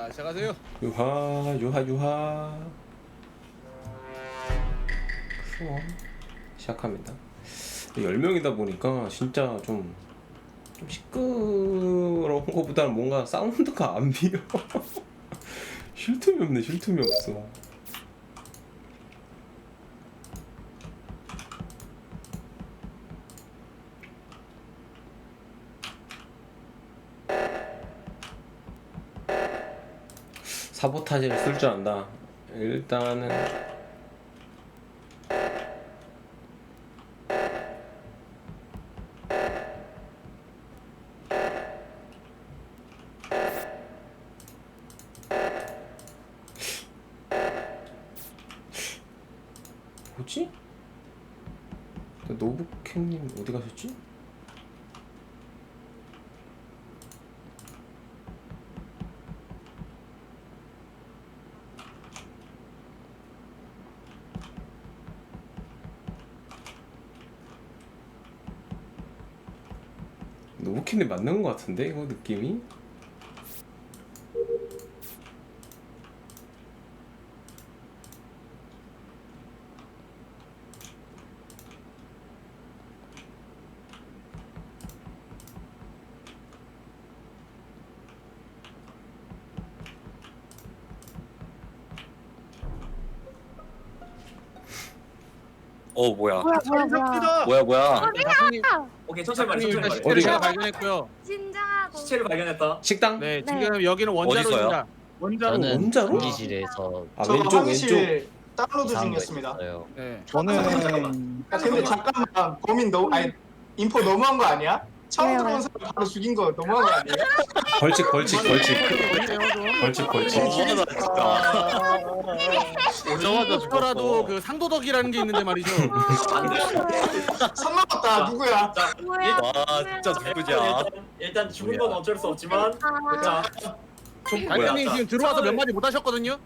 자, 시작하세요. 유하 수원 시작합니다. 10명이다 보니까 진짜 좀 시끄러운 거보다는 뭔가 사운드가 안 비어. 쉴 틈이 없네. 쉴 틈이 없어. 사보타지를 쓸 줄 안다. 일단은 뭐지? 노부캣님 어디 가셨지? 노부캣님 맞는 것 같은데 이거 느낌이? 뭐야 네, 박사님, 오케이 천천히 말해 일단 천천히 시체를 말해 제가 발견했고요. 진정하고. 시체를 발견했다 식당? 네, 네. 지금 여기는 원자로입니다. 원자로. 저는 원자로? 전기실에서 아 저 왼쪽 왼쪽. 화장실 다운로드 이상한 거 중이었습니다. 있었어요. 네. 저는 근데 잠깐만 범인 너무 아니 인포 너무한 거 아니야? 처음 왜요? 들어온 사람 바로 죽인 거 너무한 거 아니에요? 벌칙 벌칙 벌칙 벌칙. 오자마자 죽더라도 그 상도덕이라는 게 있는데 말이죠. 안돼 선 넘었다 누구야? 뭐야? 와 진짜 누구냐? 일단 죽은 건 어쩔 수 없지만 자 박사님 지금 들어와서 몇 마디 못 하셨거든요.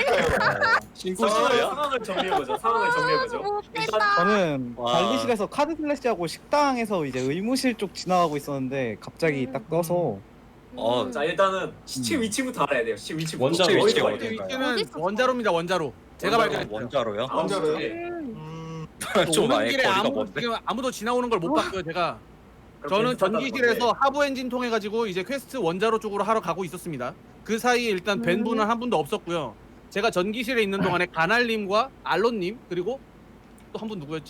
상황을 정리해보죠 상황을 정리해보죠 일단 저는 와. 관리실에서 카드 슬래시하고 식당에서 이제 의무실 쪽 지나가고 있었는데 갑자기 딱 떠서 자 일단은 시체 위치부터 알아야 돼요 시체 위치부터 원자로 어디서 위치가 발견? 위치는 어딨어? 원자로입니다. 원자로. 제가 발견했어요. 원자로요? 원자로요? 음. 좀 오는 아예 길에 거리가 먼데? 지금 아무도 지나오는 걸 못 봤고요. 제가. 그럼 저는 비슷하다는 전기실에서 건데. 하부 엔진 통해 가지고 이제 퀘스트 원자로 쪽으로 하러 가고 있었습니다. 그 사이에 일단 뵌 분은 한 분도 없었고요. 제가 전기실에 있는 동안에 가날님과 알론님 그리고 또 한 분 누구였지?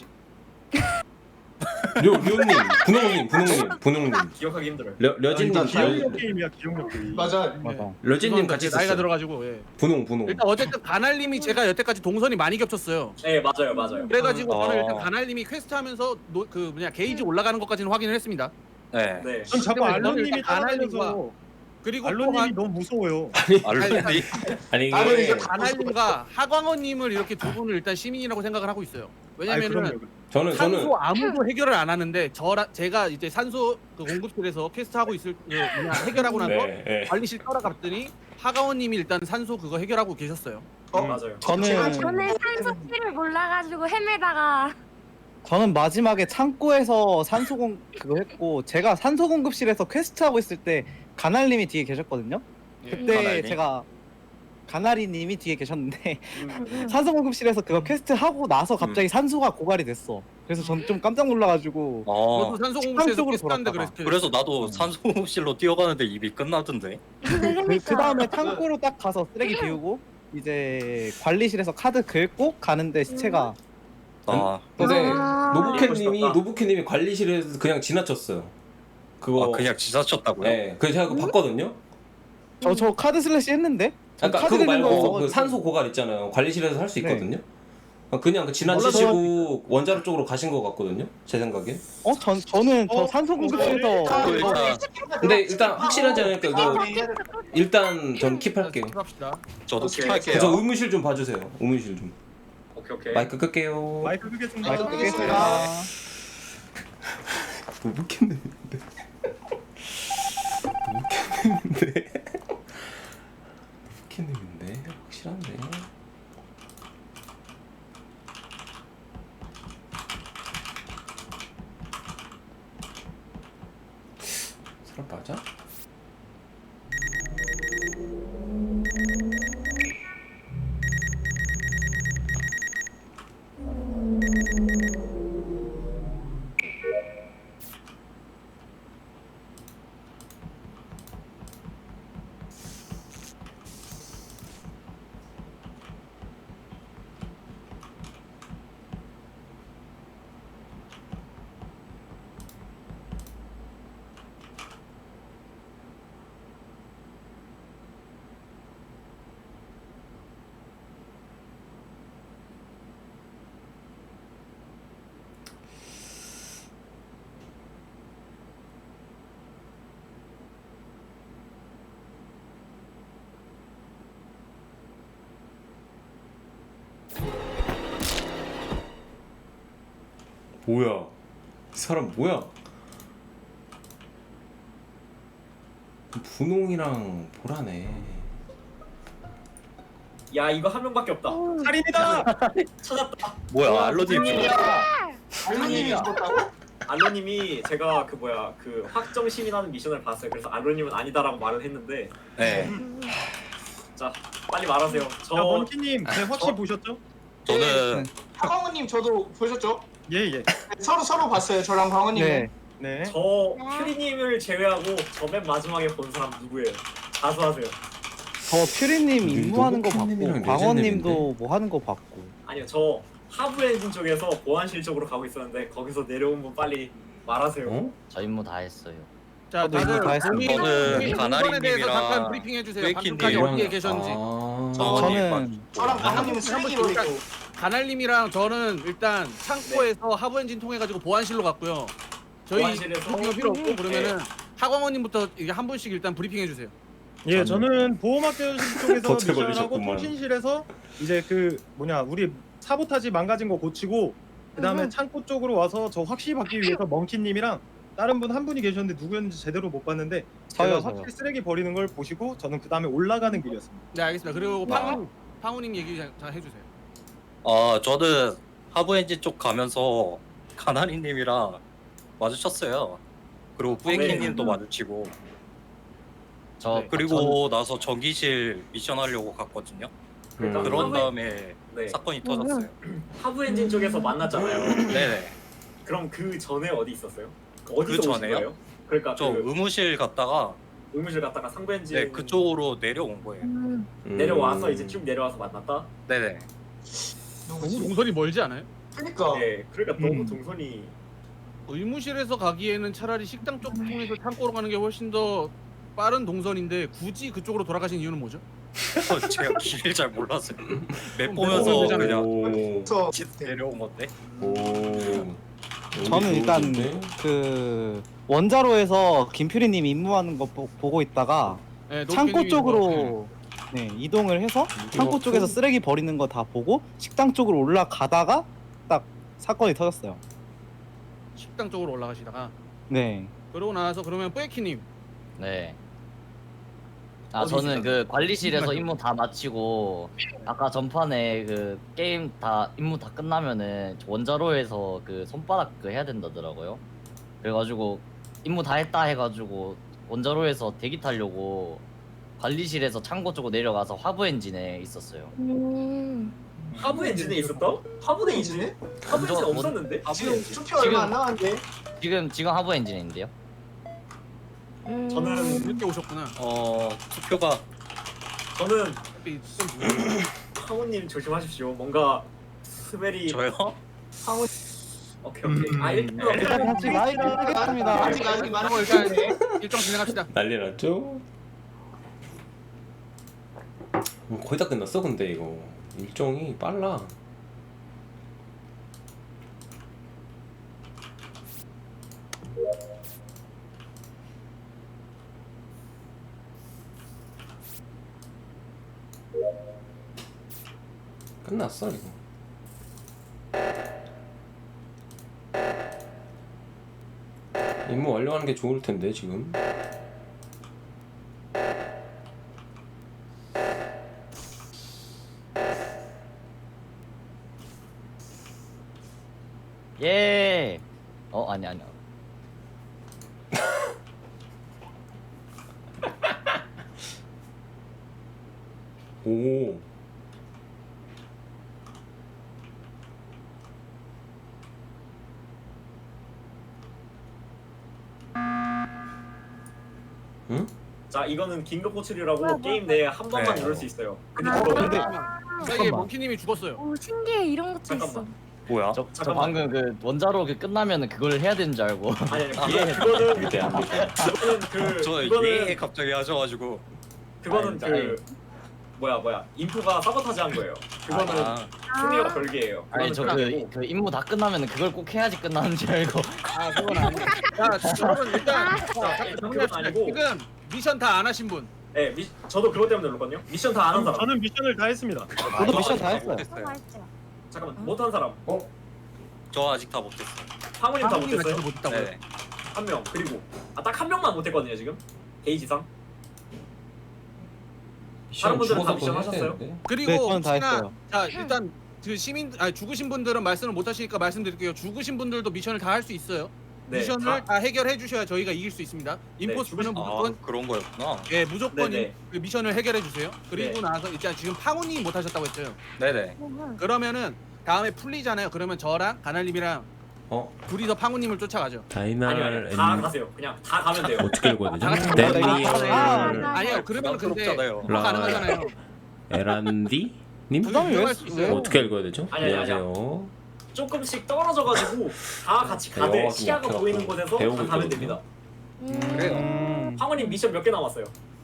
류님 분홍님 기억하기 힘들어요 려진님 게임이야 기억력 게임. 맞아. 맞아. 려진님 같이 나이가 있었어요. 들어가지고 예. 분홍 일단 어쨌든 가날님이 제가 여태까지 동선이 많이 겹쳤어요. 네 맞아요 그래가지고 저는 어. 일단 가날님이 퀘스트 하면서 그 뭐냐 게이지 올라가는 것까지는 확인을 했습니다. 네. 네 전 자꾸 근데 알론님이 일단 가날님과 따라다녀서 그리고 알론님이 너무 무서워요. 알론이 아니 나는 이게 이제 가날님과 하광원님을 이렇게 두 분을 일단 시민이라고 생각을 하고 있어요. 왜냐면은 저는 산소 아무도 해결을 안 하는데 제가 이제 산소 그 공급실에서 퀘스트 하고 있을 그 뭐냐 해결하고 나서 네. 관리실 따라갔더니 하가원님이 일단 산소 그거 해결하고 계셨어요. 맞아요 저는 저는 산소키를 몰라가지고 헤매다가 저는 마지막에 창고에서 산소공 그거 했고 제가 산소 공급실에서 퀘스트 하고 있을 때 가날님이 뒤에 계셨거든요. 그때 가날님? 제가 가나리님이 뒤에 계셨는데 산소 공급실에서 그거 퀘스트 하고 나서 갑자기 산소가 고갈이 됐어. 그래서 전 좀 깜짝 놀라가지고 저도 산소 공급실에서 쪽으로 퀘스트하는데 돌았다가. 그래서 나도 산소실로 뛰어가는데 입이 끝나던데. 그 다음에 창고로 딱 가서 쓰레기 비우고 이제 관리실에서 카드 긁고 가는데 시체가 근데 아. 노부캣님이 관리실에서 그냥 지나쳤어요. 그거 그냥 지사쳤다고요? 네, 그래서 제가 그거 봤거든요. 저 카드 슬래시 했는데 아까 카드 그거 긁는 말고 거 그 산소 고갈 있잖아요. 관리실에서 할 수 네. 있거든요. 그냥 그 지나치시고 원자로 쪽으로 가신 것 같거든요. 제 생각에. 저는 저 산소 공급실에서 일단 근데 일단 확실하지 않으니까 이거 일단 전 킵할게요. 합시다. 저도 오케이. 스킵할게요. 저 의무실 좀 봐주세요. 의무실 좀. 오케이 마이크 끌게요. 마이크 끄겠습니다. 마이크 끄겠습니다. 노부캣님인데. 노부캣님인데 확실한데. 사람 맞아? 뭐야? 이 사람 뭐야? 분홍이랑 보라네. 야 이거 한 명밖에 없다. 살인이다. 찾았다. 뭐야 알로님 알로님이 죽었다고? 알로님이 제가 그 뭐야 그 확정 시민하는 미션을 봤어요. 그래서 알로님은 아니다라고 말을 했는데 네 자 빨리 말하세요. 자 저 먼키님 네, 혹시 보셨죠? 저는 황원님 저도 보셨죠? 예예. 네, 서로 봤어요. 저랑 황원님은. 네. 네. 저 퓨리님을 제외하고 저 맨 마지막에 본 사람 누구예요? 자수하세요. 저 퓨리님 임무하는 거 노보키님이랑 봤고 광원님도 레전드인데? 뭐 하는 거 봤고. 아니요 저 하부 엔진 쪽에서 보안실 쪽으로 가고 있었는데 거기서 내려온 분 빨리 말하세요. 어? 저 임무 다 했어요. 자, 저도 이거 다 다들 했습니다. 본인 저는 동선에 대해서 가나리님이랑 잠깐 브리핑 해주세요. 웨이키님. 방금까지 어디에 계셨는지. 아. 저는 저랑 아, 황원님은 쓰레기 한번 버리고. 가날님이랑 저는 일단 창고에서 하부 엔진 통해 가지고 보안실로 갔고요. 저희 보안실에서? 브리핑은 필요 없고 그러면은 하광원님부터 이게 한 분씩 일단 브리핑 해주세요. 예, 저는 보호막대실 쪽에서 덫에 미션하고 걸리셨구만. 통신실에서 이제 그 뭐냐 우리 사보타지 망가진 거 고치고 그다음에 창고 쪽으로 와서 저 확실히 받기 위해서 멍키님이랑 다른 분 한 분이 계셨는데 누구였는지 제대로 못 봤는데 제가 저요. 확실히 쓰레기 버리는 걸 보시고 저는 그 다음에 올라가는 길이었습니다. 네 알겠습니다. 그리고 팡우님 얘기 잘 해주세요. 저는 하부 엔진 쪽 가면서 가나리님이랑 마주쳤어요. 그리고 뿌에키님도 마주치고 저 네. 그리고 나서 전기실 미션 하려고 갔거든요. 그러니까 그런 하부에- 다음에 네. 사건이 터졌어요. 하부 엔진 쪽에서 만났잖아요. 네네. 그럼 그 전에 어디 있었어요? 어디서 그 오신 전에요? 거예요? 그러니까 저 그 의무실 갔다가 의무실 갔다가 상부 엔진 네 그쪽으로 내려온 거예요. 내려와서 이제 쭉 내려와서 만났다. 네네. 너무 동선이 멀지 않아요? 그러니까. 네, 그러니까 너무 동선이 의무실에서 가기에는 차라리 식당 쪽 통해서 창고로 가는 게 훨씬 더 빠른 동선인데 굳이 그쪽으로 돌아가신 이유는 뭐죠? 제가 길을 잘 몰랐어요. 맵 그럼 보면서 내려오면 되잖아요. 그냥 오. 그래서 내려온 건데. 오. 저는 일단 좋은데? 그 원자로에서 김퓨리님 임무하는 거 보고 있다가 네, 창고 노키님이 쪽으로 네, 이동을 해서 창고 쪽에서 쓰레기 버리는 거 다 보고 식당 쪽으로 올라가다가 딱 사건이 터졌어요. 식당 쪽으로 올라가시다가 네. 그러고 나서 그러면 뿌에키님 네. 아 어디 저는 있어요? 그 관리실에서 임무 다 마치고 아까 전판에 그 게임 다 임무 다 끝나면은 원자로에서 그 손바닥 그 해야 된다더라고요. 그래가지고 임무 다 했다 해가지고 원자로에서 대기 타려고 관리실에서 창고 쪽으로 내려가서 화부 엔진에 있었어요. 하부 엔진에 있었다? 하부 엔진에? 하부 엔진 먼저 없었는데? 지금 투표 얼마 안 남았는데. 지금 하부 엔진인데요. 저는 늦게 오셨구나. 투표가 저는 어차피 좀 늦었어요. 하우님 조심하십시오. 뭔가 스멜이 저요? 황원 오케이. 아 일단 일단 같이 마이크 끄겠습니다. 아직 많은 걸 일단 있는데. 일정 진행합시다. 난리 났죠? 거의 다 끝났어 근데 이거 일정이 빨라. 끝났어 이거. 임무 완료하는 게 좋을 텐데 지금. 예. 아니. 오. 응? 자 이거는 긴급 호출이라고 게임 내에 한 번만 네. 누를 수 있어요. 근데 아, 그거 근데 이게 몽키님이 죽었어요. 오 신기해 이런 것도 있어. 잠깐만. 뭐야? 저 잠깐만. 방금 그 원자로 그 끝나면은 그걸 해야 되는 줄 알고. 아니 그거는 안돼 안돼. 그거는 그 저 그거는 예 갑자기 하셔가지고 그거는 아니, 그 뭐야 인프가 사보타지 한 거예요. 그거는 승리와 별개예요. 아니 저 그거는 아니고. 그 임무 다 끝나면은 그걸 꼭 해야지 끝나는 줄 알고. 아 그건 아니고. 자 여러분 일단 그건 정리합시다. 아니고. 지금 미션 다 안 하신 분. 네, 저도 그것 때문에 눌렀거든요. 미션 다 안 한 사람. 저는 미션을 다 했습니다. 저도 미션 다 했어요. 맛있죠. 잠깐만 못 한 사람. 저 아직 다 못했어요. 황우님 다 황우님 못했어요? 아직도 못했다고요? 네. 한 명. 그리고 딱 한 명만 못했거든요 지금. 게이지상. 다른 분들은 다 미션 하셨어요? 그리고 네, 저는 다 혹시나 했어요. 자 일단 그 죽으신 분들은 말씀을 못 하시니까 말씀드릴게요. 죽으신 분들도 미션을 다 할 수 있어요. 네. 미션을 다 해결해 주셔야 저희가 이길 수 있습니다. 임포스터는 죽으신- 아 무조건 그런 거였구나. 예 무조건 네네. 그 미션을 해결해 주세요. 그리고 네. 나서 일단 지금 팡우님이 못 하셨다고 했죠. 네네. 그러면은 다음에 풀리잖아요. 그러면 저랑 가날님이랑 어? 둘이서 팡우님을 쫓아가죠. 다이날 다 가세요. 그냥 다 가면 돼요. 어떻게 읽어야 되죠? 다 같이 데니얼 아니요 그러면 근데 부담스럽잖아요. 다 가능하잖아요. 에란디 님? 부담이 왜 할수 있어요. 어떻게 읽어야 되죠? 아니, 아니, 안녕하세요. 조금씩 떨어져가지고 다 같이 영어가 가되 좀 시야가 약해갖고 보이는 곳에서 배우고 다 가면 있거든요. 됩니다. 그래요. 황우님 미션 몇 개 남았어요?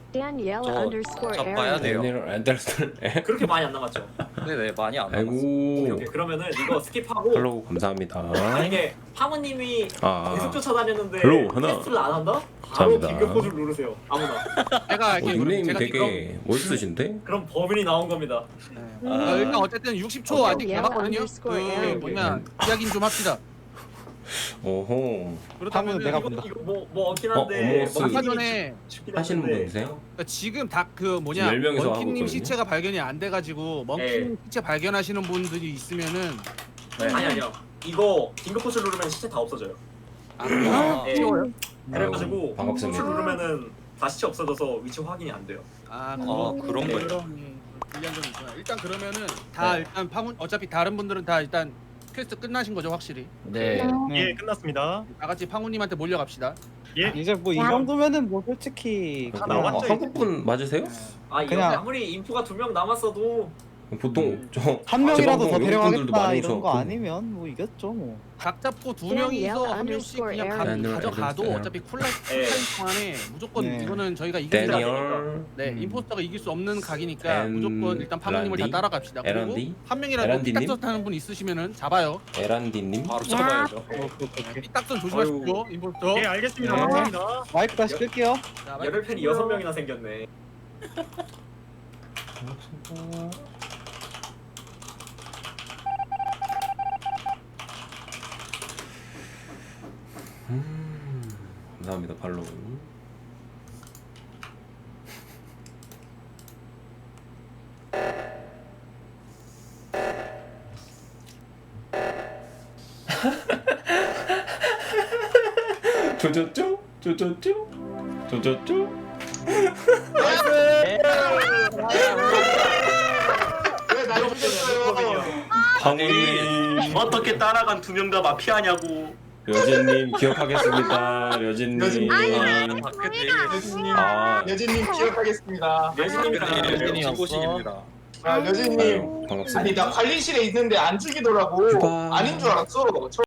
저 봐야 돼요. 데니얼 앤더슨. 그렇게 많이 안 남았죠? 네네 많이 안 남았어. 오케이, 아이고. 오케이. 그러면은 이거 스킵하고 팔로우 감사합니다. 만약에 황우님이 계속 쫓아다녔는데 헬로, 하나. 테스트를 안 한다? 바로 감사합니다. 긴급 포즈를 누르세요. 아무나. 제가 이렇게 닉네임 제가 되게 멋있으신데? 그럼 범인이 나온 겁니다. 일단 어쨌든 60초 아직 남았거든요. 그 뭐냐 이야기 좀 합시다. 오호. 그렇다면 내가 이거, 본다. 이거 뭐 얻긴 한데 어머스 아까 전에 죽긴 하시는 분 했는데 계세요? 그러니까 지금 다 그 뭐냐 지금 10명이서 하고 먼키님 있거든요. 시체가 발견이 안 돼가지고 먼키님 시체 발견하시는 분들이 있으면은 아니요. 이거 긴급 포즈 누르면 시체 다 없어져요. 아 예. 쉬워요? 그래가지고 아이고, 반갑습니다. 포즈 누르면은 다 시체 없어져서 위치 확인이 안 돼요. 아 그런 거예요. 불리한 점이 있구나. 일단 그러면은 다 일단 파문 어차피 다른 분들은 다 일단 퀘스트 끝나신 거죠 확실히. 네. 예, 끝났습니다. 다 같이 팡우님한테 몰려갑시다. 예. 이제 뭐 이 정도면은 뭐 솔직히 다 그냥 나왔죠, 한국 분 맞으세요? 아 이거 그냥- 아무리 인프가 2명 남았어도 보통 저 한 명이라도 더 재방송 데려가겠다 외국분들도 많이 이런 거 오셔갖고. 아니면 뭐 이겼죠 뭐. 각 잡고 두 명이서 한 명씩 그냥 가져가도 네. 어차피 쿨타임 예. 동안에 무조건 네. 이거는 저희가 이길 수 데니얼 네, 임포스터가 이길 수 없는 각이니까 앤 무조건 일단 파모님을 다 란디? 따라갑시다. 그리고 에란디? 한 명이라도 에란디님? 삐딱선 하는 분 있으시면은 잡아요. 에란디님. 바로 잡아야죠. 삐딱선 조심하십시오. 임포스터. 예, 알겠습니다. 네. 감사합니다. 마이크 다시 끌게요. 자, 열혈팬이 6명이나 생겼네. 감사합니다 팔로우. 조졌죠? 조졌죠? 조졌죠? 왜날 죽였어요? 황우님, 어떻게 따라간 2명 다 마피아냐고. 려진님 기억하겠습니다. 려진님. 려진님. 여진님, 아, 여진님 기억하겠습니다. 여진님이랑 여진이 친구십니다. 아, 여진님. 아유, 반갑습니다. 아니 나 관리실에 있는데 안 죽이더라고. 휴가. 아닌 줄 알았어.